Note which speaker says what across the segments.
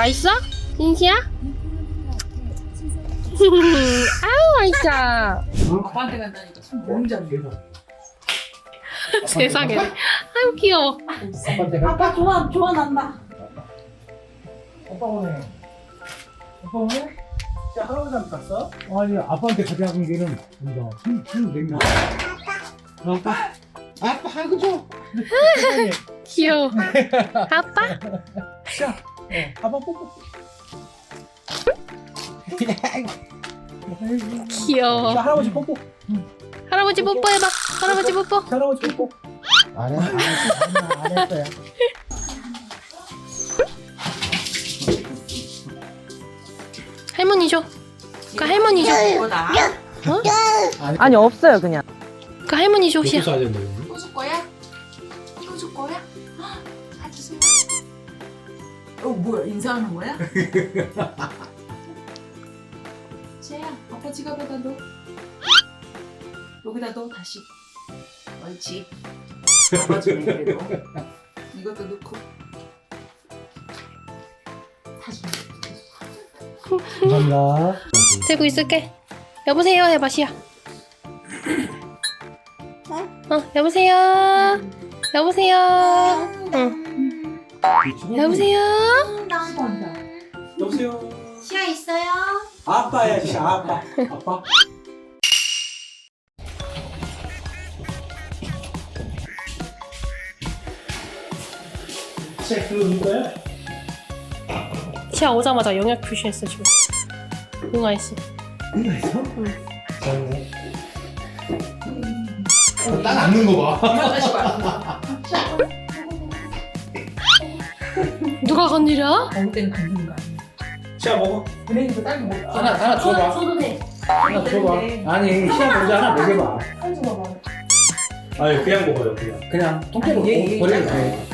Speaker 1: 맛있어? 진시야? 아우 맛있어.
Speaker 2: 아빠한테 간다니까 손 모음잡이.
Speaker 1: 세상에. 아유 귀여워.
Speaker 3: 아빠한테 가.
Speaker 2: 아빠 좋아 난다.
Speaker 3: 아빠 오네. 아빠 오네? 자, 할아버지한테 갔어? 아니, 아빠한테 가져간 게는 뭔가 술 냉면. 아빠? 아빠, 아이고, 줘.
Speaker 1: 귀여워. 아빠?
Speaker 3: 자, 아빠 뽀뽀.
Speaker 1: 귀여워.
Speaker 3: 자, 할아버지 뽀뽀.
Speaker 1: 할아버지 뽀뽀해봐. 할아버지 뽀뽀.
Speaker 3: 할아버지 뽀뽀. 안 했어요.
Speaker 1: 할머니 줘. 그 할머니 줘.
Speaker 2: 뭐다?
Speaker 1: 어?
Speaker 4: 아니 없어요 그냥.
Speaker 1: 그 할머니 줘. 시야.
Speaker 3: 써야 된다.
Speaker 2: 이거 줄 거야? 이거 줄 거야? 다 주세요. 뭐야 인사하는 거야? 지혜야 아빠 지갑에다 넣어. 여기다 넣어 다시. 옳지. 아빠 주네 그래도. 이것도 넣고. 다시.
Speaker 3: 감사합니다.
Speaker 1: 들고 있을게. 여보세요 해봐 시야. 여보세요. 여보세요. 응. 여보세요.
Speaker 3: 여보세요.
Speaker 2: 시야 있어요?
Speaker 3: 아빠야, 진짜 아빠. 아빠. 책 들어줄까요?
Speaker 1: 시야 오자마자 영약 표시했어 지금. 응아했어.
Speaker 3: 이거 있어? 응. 딱 앉는 거 봐.
Speaker 2: 다시 봐.
Speaker 1: 누가 건드려?
Speaker 2: 먹을 때는 걷는 거 아니야.
Speaker 3: 시아 먹어.
Speaker 2: 은행도 딸기 먹어.
Speaker 3: 하나 줘봐.
Speaker 2: 줘도 돼.
Speaker 3: 하나 줘봐. 아니, 시아 먼저 하나 먹여봐.
Speaker 2: 한 줘봐.
Speaker 3: 아니, 그냥 먹어요, 그냥. 그냥 통째로
Speaker 2: 아니, 얘
Speaker 3: 버려도
Speaker 2: 있잖아.
Speaker 3: 돼.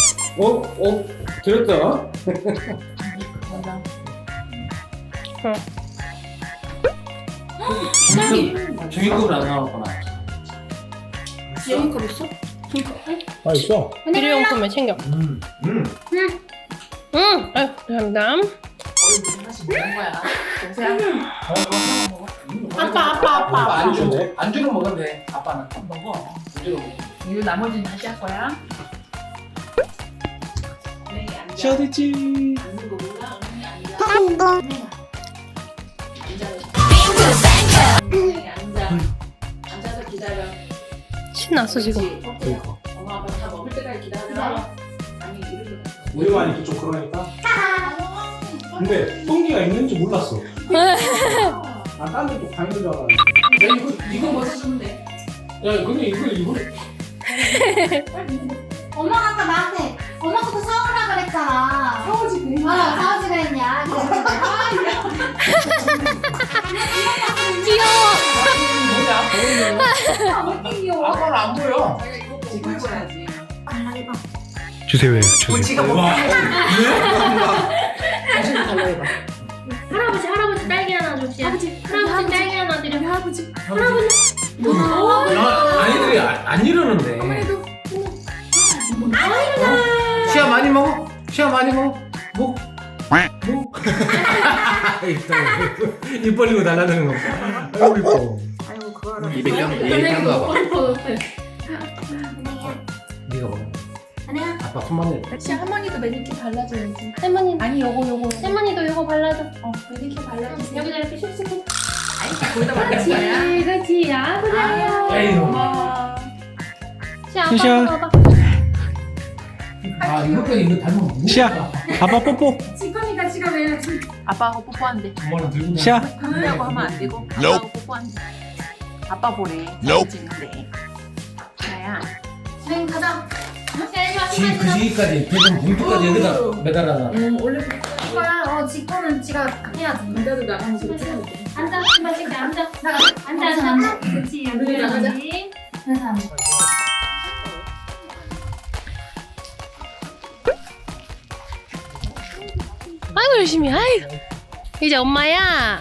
Speaker 3: 들었어?
Speaker 2: 맞아.
Speaker 3: 종이컵을 안 나왔구나.
Speaker 2: 여기컵 있어?
Speaker 3: 아, 있어.
Speaker 1: 일회용품에 챙겨.
Speaker 3: 응.
Speaker 1: 응. 아유 감사합니다.
Speaker 2: 무슨 맛이 뭐는 거야? 동생. 먹어.
Speaker 1: 아빠.
Speaker 3: 안주.
Speaker 5: 안주로 먹으면 돼. 아빠는
Speaker 2: 먹어.
Speaker 5: 안주로 먹어.
Speaker 2: 이거 나머지는 다시 할 거야.
Speaker 3: 시아 됐지.
Speaker 2: 앉는 거 몰라? 앉아. 앉아서 기다려.
Speaker 1: 신났어 지금.
Speaker 3: 그러니까.
Speaker 2: 엄마 아빠 다 먹을 때까지 기다려. 아니 이렇게.
Speaker 3: 우리가 하니까 좀 그러니까. 근데 똥기가 있는지 몰랐어. 아, 딴 데또 가는 줄 알았는데.
Speaker 2: 야 이거 벗어주면 돼.
Speaker 3: 야, 근데 이거.
Speaker 6: 엄마가 아까 나한테 엄마부터 사오라 그랬잖아.
Speaker 2: 사오지 그래.
Speaker 6: 사오지 그랬냐?
Speaker 1: 귀여워.
Speaker 2: 왜 귀여워?
Speaker 5: 아빠는 안 보여.
Speaker 2: 자기가 이거 보고 해봐야지.
Speaker 6: 달라해봐.
Speaker 3: 주세요.
Speaker 2: 지가 먹고
Speaker 1: 할아버지 딸기 하나 줍시다. 할아버지 딸기 하나 드려. 할아버지.
Speaker 5: 아이들이 안 이러는데. 시야 많이 먹어. 시야 많이 먹어. 뭐?
Speaker 3: 입 벌리고 달라드는 거. 아이고 이뻐.
Speaker 2: 아이고 그거 알아.
Speaker 5: 입에 껴가 봐.
Speaker 6: 은행이야.
Speaker 5: 네가 먹어.
Speaker 6: 은행아.
Speaker 5: 아빠 손만 내.
Speaker 2: 역시 할머니도 매니큐 발라줘야지.
Speaker 1: 할머니.
Speaker 2: 아니 요거.
Speaker 1: 할머니도 이거 발라줘.
Speaker 2: 매니큐 발라주세요.
Speaker 1: 여기다 이렇게 슉슉.
Speaker 2: 아이 거기다 발라줄 거야.
Speaker 1: 그렇지. 아 그래요.
Speaker 5: 에이.
Speaker 2: 고마워.
Speaker 1: 시야 아빠 봐봐.
Speaker 5: 아 이거 닮으면
Speaker 3: 시야. 아빠 뽀뽀.
Speaker 6: 지금이가 지금 왜?
Speaker 2: 아빠하고 뽀뽀한대.
Speaker 5: 엄마는 들고
Speaker 3: 시야.
Speaker 2: 그러려고 하면 안 되고 아빠하고 뽀뽀한대. 아빠 보래. 사진 찍는데. 자야.
Speaker 6: 은행 가자.
Speaker 5: 그 시기까지 대전 봉투까지 여기다 매달아놔.
Speaker 2: 원래
Speaker 6: 이거야. 지 거는 지가 해야지.
Speaker 2: 남자도 나가면서 찍어야 돼.
Speaker 6: 앉아. 신발 신게 앉아. 앉아. 그렇지.
Speaker 2: 우리 나가자.
Speaker 6: 그래서 앉아.
Speaker 1: 아이고 열심히. 아이고. 이제 엄마야.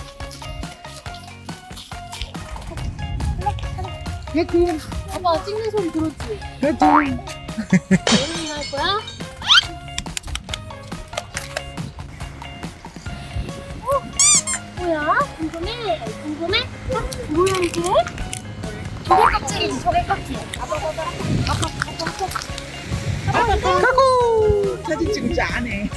Speaker 1: 아빠 찍는 소리 들었지? 어른이 할 거야? 뭐야? 궁금해? 궁금해? 뭐야 이게? 조개 껍질이지 조개 껍질.
Speaker 7: 가고 사진 찍지 않네.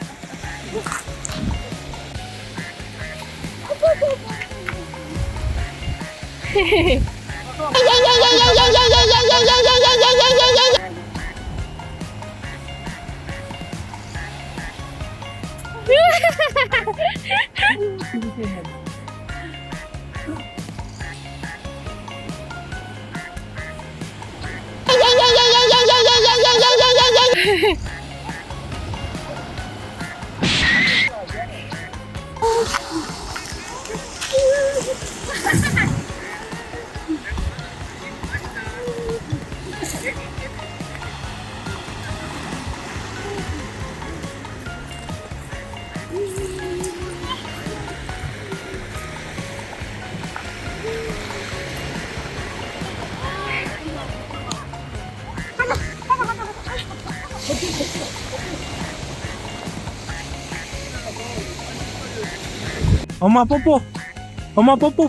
Speaker 3: 엄마 뽀뽀. 엄마 뽀뽀.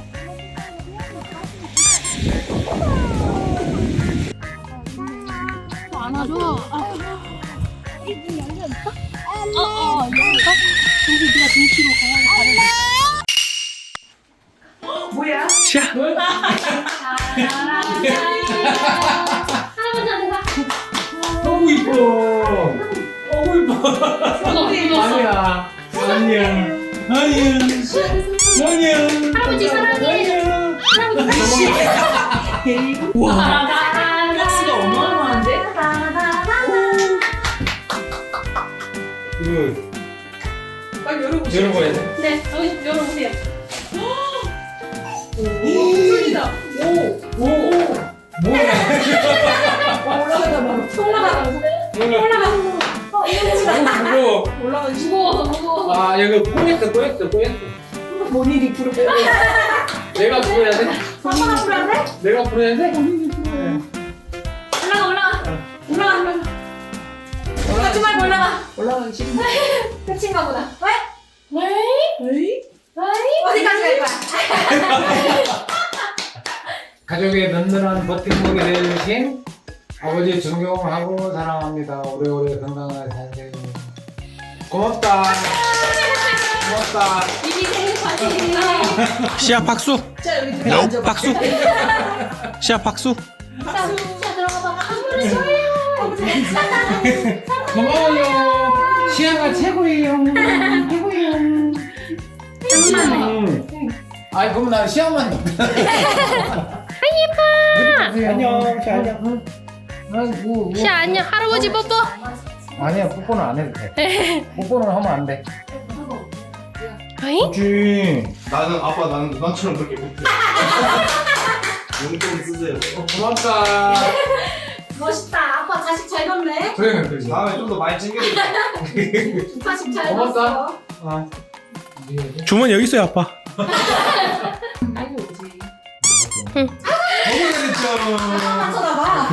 Speaker 1: 안아줘. 문 열려 있어? 열려. 근데 네가 등치로 가야
Speaker 7: 뭐야?
Speaker 3: 샤.
Speaker 1: 할아버지한테 가.
Speaker 5: 너무 이뻐. 너무 이뻐.
Speaker 3: 아니야. 아니야. 아니야. 아니야.
Speaker 1: 할아버지 사랑해. 할아버지
Speaker 3: 와.
Speaker 7: 박스가 어마어마한데?
Speaker 5: 이거
Speaker 7: 빨리 열어보세요.
Speaker 5: 열어봐야 돼.
Speaker 1: 네, 여기 열어보세요.
Speaker 7: 소리다.
Speaker 5: 뭐야?
Speaker 7: 올라가다 막
Speaker 1: 올라가.
Speaker 5: 무거워.
Speaker 1: 무거워서.
Speaker 5: 아 여기 꼬였어.
Speaker 7: 뭔 일이 부르고.
Speaker 5: 내가 불어야 돼?
Speaker 1: 아빠가 불어야 돼?
Speaker 5: 내가 불어야 돼?
Speaker 1: 올라가. 가지 말고 올라가.
Speaker 7: 올라가기 싫은데.
Speaker 1: 끝인가 보다. 왜?
Speaker 7: 에이?
Speaker 1: 어디까지 갈 거야?
Speaker 5: 가족의 든든한 버팀목이 되어주신 아버지 존경하고 사랑합니다. 오래오래 건강하게 사세요. 고맙다. 고맙다.
Speaker 1: 미리 생일 파티.
Speaker 3: 시아 박수.
Speaker 7: 자 여기 들어 앉아.
Speaker 3: 박수. 시아 박수.
Speaker 1: 자, 들어가 봐. 선물을 줘요.
Speaker 5: 고마워요. 시아가 최고예요. 아이 그럼 나 시아만.
Speaker 3: 안녕. 시아 안녕.
Speaker 1: 시아 안녕. 할아버지 뽀뽀.
Speaker 5: 아니야 뽀뽀는 안 해도 돼. 뽀뽀는 하면 안 돼.
Speaker 1: 어이?
Speaker 5: 그치.
Speaker 8: 나는 누나처럼 그렇게 못해. 용돈 쓰세요.
Speaker 5: 고맙다.
Speaker 1: 멋있다. 아빠 자식 잘 뒀네.
Speaker 5: 그래.
Speaker 8: 다음에 좀 더 많이 챙겨드릴게요.
Speaker 1: 자식 잘
Speaker 5: 고맙다.
Speaker 1: 뒀어.
Speaker 5: 아.
Speaker 3: 주머니 여기 있어요 아빠.
Speaker 7: 아이고 오지.
Speaker 1: 맞춰놔봐.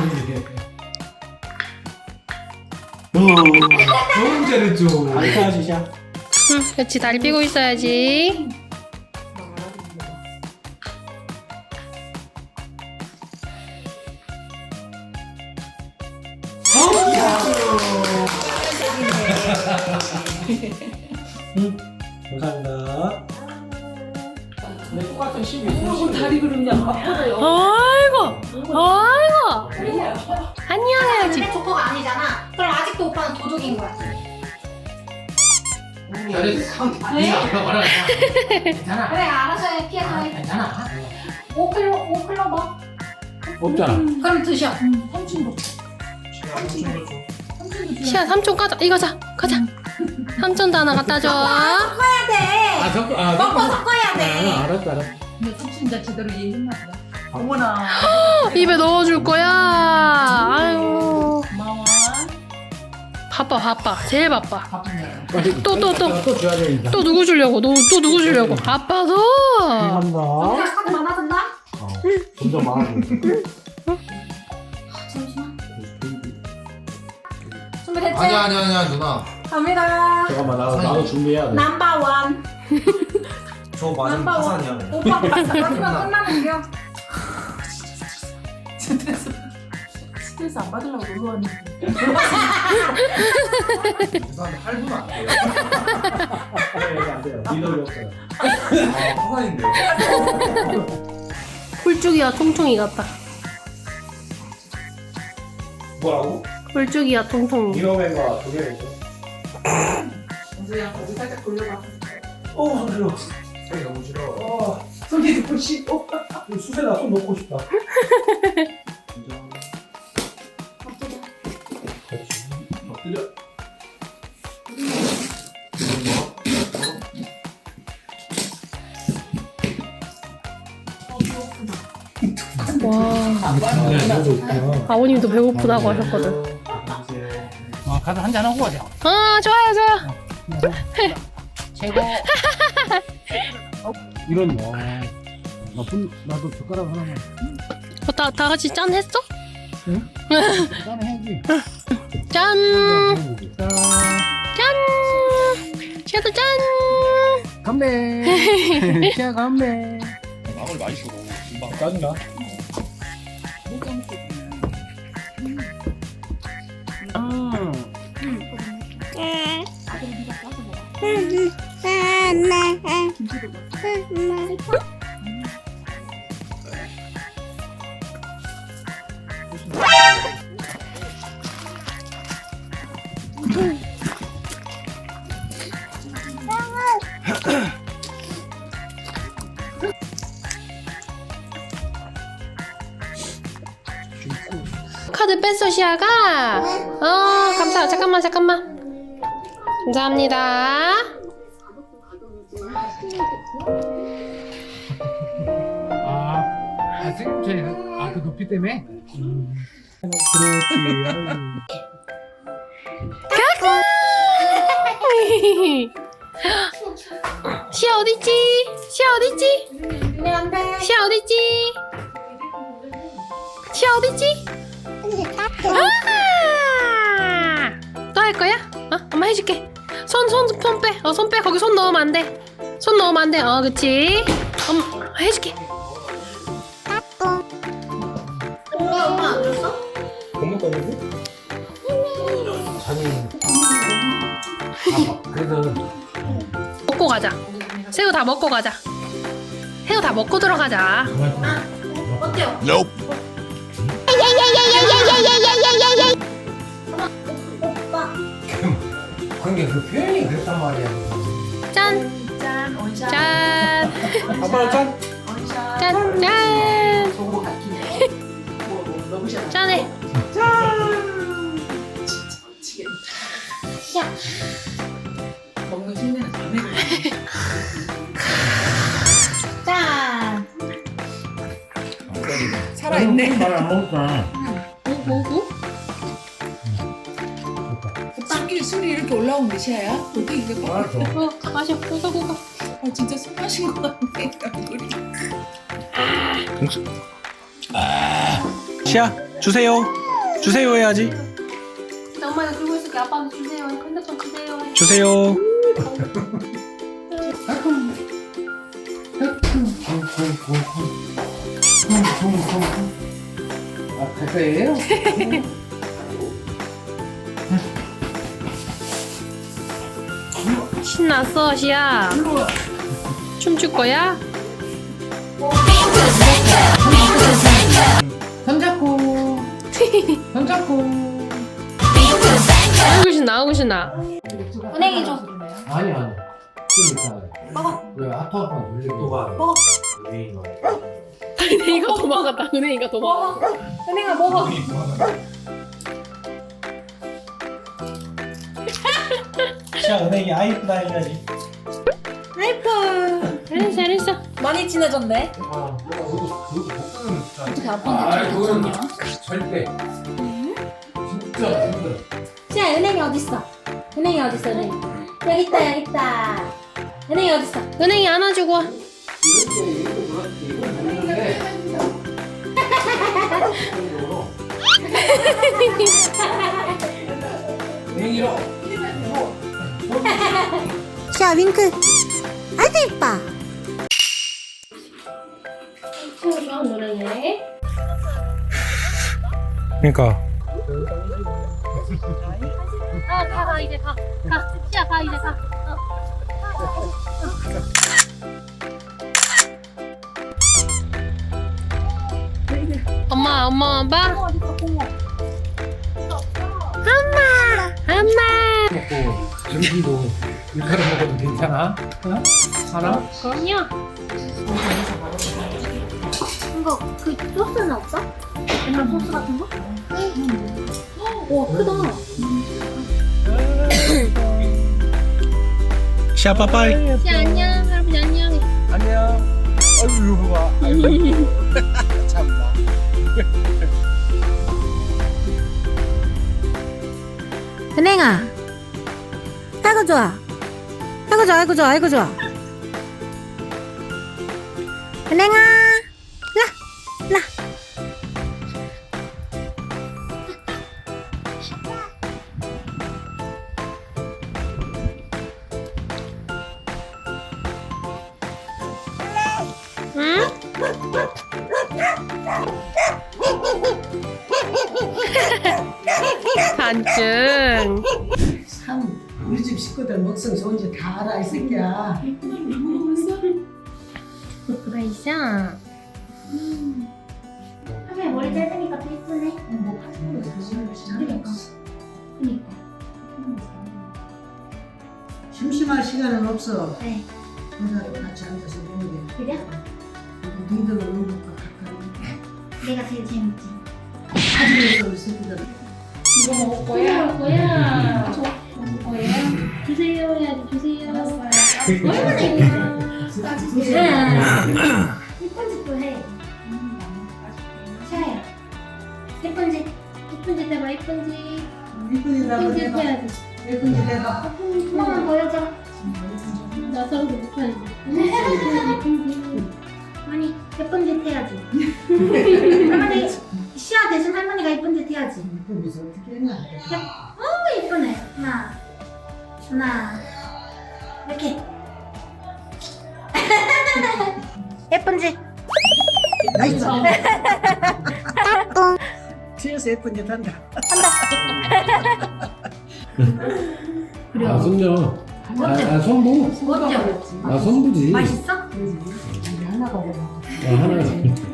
Speaker 5: 너무 잘했죠.
Speaker 3: 알까지 시아.
Speaker 1: 그렇지. 다리 삐고 있어야지.
Speaker 3: 감사합니다.
Speaker 5: 내 똑같은 12.
Speaker 7: 다리 그러냐? 아파요.
Speaker 1: 아이고. 안녕해야지.
Speaker 6: 조커가 아니잖아. 그럼 아직도 오빠는 도둑인 거야.
Speaker 5: 잘했어. 괜찮아.
Speaker 6: 그래 알아서 해. 피해서 해.
Speaker 5: 괜찮아.
Speaker 6: 5kg 뭐?
Speaker 5: 없잖아.
Speaker 6: 그럼 드셔.
Speaker 1: 시아 삼촌 가자. 이거 가자. 삼촌도 하나 갖다 줘.
Speaker 6: 섞어야 돼.
Speaker 5: 섞어.
Speaker 6: 먹고 섞어야 돼.
Speaker 5: 알았어.
Speaker 7: 근데 진짜 제대로 이해했나 보다. 어머나.
Speaker 1: 입에 넣어줄 거야. 아유.
Speaker 7: 고마워.
Speaker 1: 바빠. 제일 바빠.
Speaker 7: 바쁘네.
Speaker 1: 또
Speaker 5: 줘야 되니까.
Speaker 1: 또 누구 주려고? 또 누구 주려고? 아빠도.
Speaker 3: 감사합니다.
Speaker 6: 우리가 카드 많아졌나?
Speaker 3: 점점 많아져.
Speaker 6: 잠시만. 준비됐지?
Speaker 8: 아니야 누나.
Speaker 6: 갑니다.
Speaker 3: 잠깐만 나도 준비해야 돼.
Speaker 6: 넘버 원.
Speaker 8: 저 맞으면
Speaker 2: 안
Speaker 8: 파산이야. 그냥.
Speaker 2: 오빠 마지막 끝나는데요. 스트레스 안 받으려고 놀러 왔는데.
Speaker 8: 부산 할부는 안 돼요.
Speaker 3: 네, 안 돼요. 리더가 없어요.
Speaker 8: 아, 파산인데요.
Speaker 1: 굴쭉이와 통통이 같다.
Speaker 3: 뭐라고?
Speaker 1: 굴쭉이와 통통이.
Speaker 3: 이노맨과 도겸이죠.
Speaker 2: 은수야 거기 살짝 돌려봐.
Speaker 3: 오, 손 싫어.
Speaker 8: 손이 너무 싫어.
Speaker 3: 손이 듣고 싶어. 수세다 손 놓고 싶다.
Speaker 8: 엎드려.
Speaker 1: 와. 아버님도 배고프다고 하셨거든.
Speaker 3: 가서 한잔 하고 가자.
Speaker 1: 좋아요, 좋아요.
Speaker 3: 최고. 이런 와. 나도 젓가락 하나만.
Speaker 1: 다 같이 짠 했어?
Speaker 3: 응? 짠 해야지.
Speaker 1: 짠!
Speaker 3: 짠.
Speaker 1: 짠! 시아도 짠!
Speaker 3: 건배. 시아 건배.
Speaker 8: 마음을 많이 주고.
Speaker 3: 짜증나.
Speaker 1: 카드 뺐어, 시아가? 감사. 잠깐만. 감사합니다.
Speaker 3: 그 높이 때문에? 그렇지.
Speaker 1: 시아 어딨지? 시아 어딨지? 시아 어딨지? 시아 어딨지? 또 할 거야? 엄마 해줄게. 손 빼. 손 빼. 거기 손 넣으면 안 돼. 손 넣으면 안 돼. 그치. 엄마 해줄게.
Speaker 6: 엄마 안 줬어?
Speaker 3: 고문 거냐고?
Speaker 5: 자기. 그래도
Speaker 1: 먹고 가자. 새우 다 먹고 가자. 새우 다 먹고 들어가자.
Speaker 6: 어때요?
Speaker 5: 그게 그 표현이 그랬단 말이야.
Speaker 1: 짠.
Speaker 2: 짠 원샷.
Speaker 1: 짠.
Speaker 3: 아빠 짠.
Speaker 2: 원샷.
Speaker 1: 짠.
Speaker 2: 좋은 거 같기네. 너무 샷.
Speaker 1: 짠해.
Speaker 2: 진짜 미치겠다. 먹는 흉내는 다 내고.
Speaker 6: 짠.
Speaker 2: 살아있네.
Speaker 3: 말안 먹을까?
Speaker 1: 뭐?
Speaker 2: 술이 이렇게 올라온 게 시아야? 어떻게 이게
Speaker 3: 알았어.
Speaker 1: 마셔. 고가.
Speaker 2: 진짜 술 마신 거 같네. 우리.
Speaker 9: 시야 주세요 해야지.
Speaker 1: 엄마가 들고 있을게. 아빠한테 주세요. 핸드폰 주세요.
Speaker 9: 주세요.
Speaker 5: 갈 거예요?
Speaker 1: 신났어, 시아. 춤출 거야?
Speaker 5: 손잡고.
Speaker 1: 아이고 신나.
Speaker 6: 은행이 줘.
Speaker 5: 아니. 좀 이따. 먹어. 왜 아파 놀리고. 또 가.
Speaker 6: 먹어.
Speaker 1: 은행이가 도망갔다. 은행이가 도망갔다.
Speaker 6: 은행아 먹어.
Speaker 3: 시아 은행이 아이쁘다 해줘야지.
Speaker 6: 아이폰.
Speaker 1: 잘했어.
Speaker 6: 많이 친해졌네.
Speaker 2: 어떻게 아빠한테
Speaker 5: 그건
Speaker 2: 줬냐?
Speaker 5: 절대. 진짜 힘들어.
Speaker 6: 자, 은행이 어딨어? 은행이 어딨어, 은행? 여기 있다. 은행이 어딨어?
Speaker 1: 은행이 안아주고 와.
Speaker 5: 이렇게 돌았지. 이걸 모르는데. 냉이로.
Speaker 6: 자, 윙크. 아이고, 이뻐.
Speaker 1: 노래해.
Speaker 9: 그러니까
Speaker 1: 가 이제 가. 시야 가 이제 가. 엄마 봐. 엄마.
Speaker 3: 먹고 점심도 밀가루 먹어도 괜찮아? 어? 하나?
Speaker 1: 그럼요.
Speaker 6: 이거 그 소스는 없어? 옛날 소스 같은 거? 와 크다.
Speaker 9: 시아 빠빠이.
Speaker 1: 시야 안녕. 할아버지 안녕.
Speaker 3: 안녕. 아유 이거 봐. 아이고. 참나.
Speaker 6: 은행아. 아이고 좋아. 아이고 좋아. 아이고 좋아. 아이고 좋아. 은행아. 라.
Speaker 1: 응? 반증.
Speaker 10: 참 우리 집 식구들 먹성 좋은지 다 알아 이 새끼야.
Speaker 1: 그래이샤.
Speaker 6: 할머니 머리 짧으니까 또 이쁘네. 그니까.
Speaker 10: 심심할 시간은 없어.
Speaker 6: 네.
Speaker 10: 혼자도 같이 앉아서 먹는 게.
Speaker 6: 그래?
Speaker 10: 니들 오는 것과 가까이.
Speaker 6: 내가 제일 재밌지.
Speaker 10: 가지면서 우리 새끼들.
Speaker 1: 이거 먹을 거야? 먹을 거야? 주세요 해야지 주세요.
Speaker 6: 얼마나 이쁘다. 예쁜 짓도 해. 샤야. 예쁜 짓.
Speaker 1: 예쁜 짓 해봐 예쁜 짓.
Speaker 10: 이쁜이라고
Speaker 1: 예쁜 짓
Speaker 10: 내가
Speaker 1: 해야지.
Speaker 10: 예쁜이 내가
Speaker 6: 한 번만 보여줘.
Speaker 1: 나 서울도 못하지.
Speaker 6: 아니 예쁜 짓 해야지. 할머니 시아 대신 할머니가 예쁜 짓 해야지.
Speaker 10: 이쁜이서 어떻게 했냐.
Speaker 6: 너무 예쁘네. 하나 이렇게. 예쁜 짓.
Speaker 10: 나이스. 뒤에서 예쁜 짓 한다.
Speaker 5: 아 손녀. 아 손부.
Speaker 6: 어때?
Speaker 5: 아 손부지.
Speaker 6: 맛있어?
Speaker 10: 우리 하나가 먹어.
Speaker 5: 하나.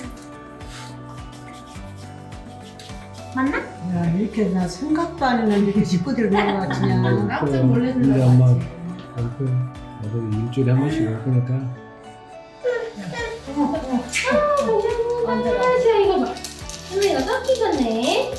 Speaker 6: 맞나?
Speaker 10: 야 이렇게 나 생각도 안 했는데 이렇게 식구들 먹어가지냐.
Speaker 7: 깜짝 놀랐는
Speaker 5: 이제
Speaker 7: 거
Speaker 5: 엄마
Speaker 7: 같지.
Speaker 5: 남편 나도 일주일에 한 번씩 올 거니까.
Speaker 1: 시아 이거 봐. 할머니가 섞이겠네.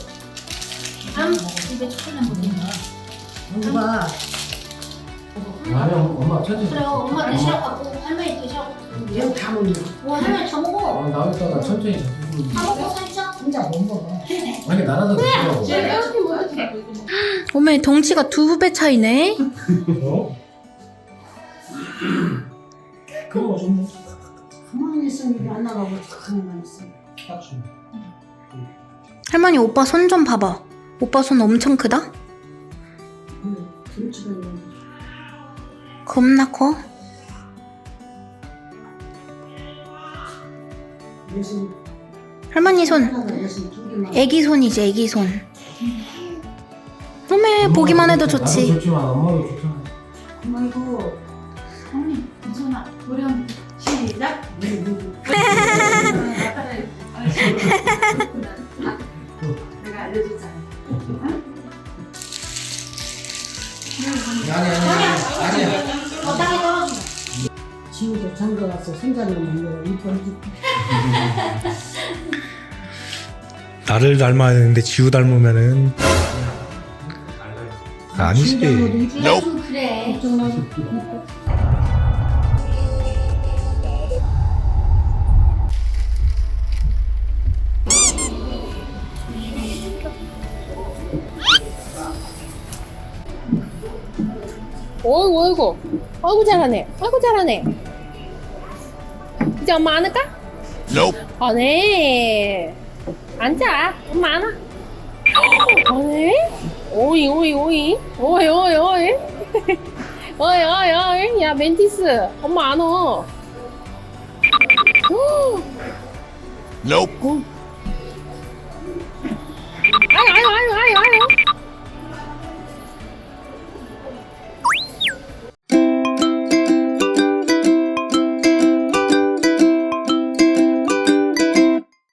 Speaker 6: 입에 초콜릿 묻은다.
Speaker 10: 먹어봐.
Speaker 5: 아니 엄마 천천히.
Speaker 6: 그래요. 엄마 드시라고 할머니 드시라고.
Speaker 10: 얘는 다 먹는 거.
Speaker 6: 와 할머니 다 먹어.
Speaker 5: 아 나왔다가 천천히.
Speaker 6: 다 먹고 살짝.
Speaker 10: 혼자 못 먹어.
Speaker 5: 아니 나라도 드시라고.
Speaker 1: 이렇게 먹어도
Speaker 6: 어머니 덩치가 2배 차이네.
Speaker 5: 어?
Speaker 10: 그거 좀 가만히 있으면 이게 안 나가고 가만히 있어.
Speaker 6: 할머니 오빠 손 좀 봐봐. 오빠 손 엄청 크다?
Speaker 10: 김치가 있는
Speaker 6: 겁나 커?
Speaker 10: 예순
Speaker 6: 할머니 손
Speaker 10: 하나가 예순 두 개만.
Speaker 6: 애기 손이지 애기 손. 어메 보기만 해도
Speaker 5: 나도
Speaker 6: 좋지.
Speaker 5: 좋지만 엄마도 좋잖아.
Speaker 10: 아이고.
Speaker 7: 언니 괜찮아. 우리 한번 시작. 내가 알려줬잖아.
Speaker 5: 아니야.
Speaker 6: 어 땅에 떨어져.
Speaker 10: 지우도 장가 가서 생각을 만들어 이쁜
Speaker 9: 나를 닮아야 되는데 지우 닮으면은 아니지.
Speaker 6: 좀 그래.
Speaker 1: 어이구 아이고 잘하네. 아이고 잘하네. 이제 엄마 안을까? 네. 앉아. 엄마 안아. 네. 오이. 어이. 야 멘티스. 엄마 안어. 아유 아유 아유 아유 아유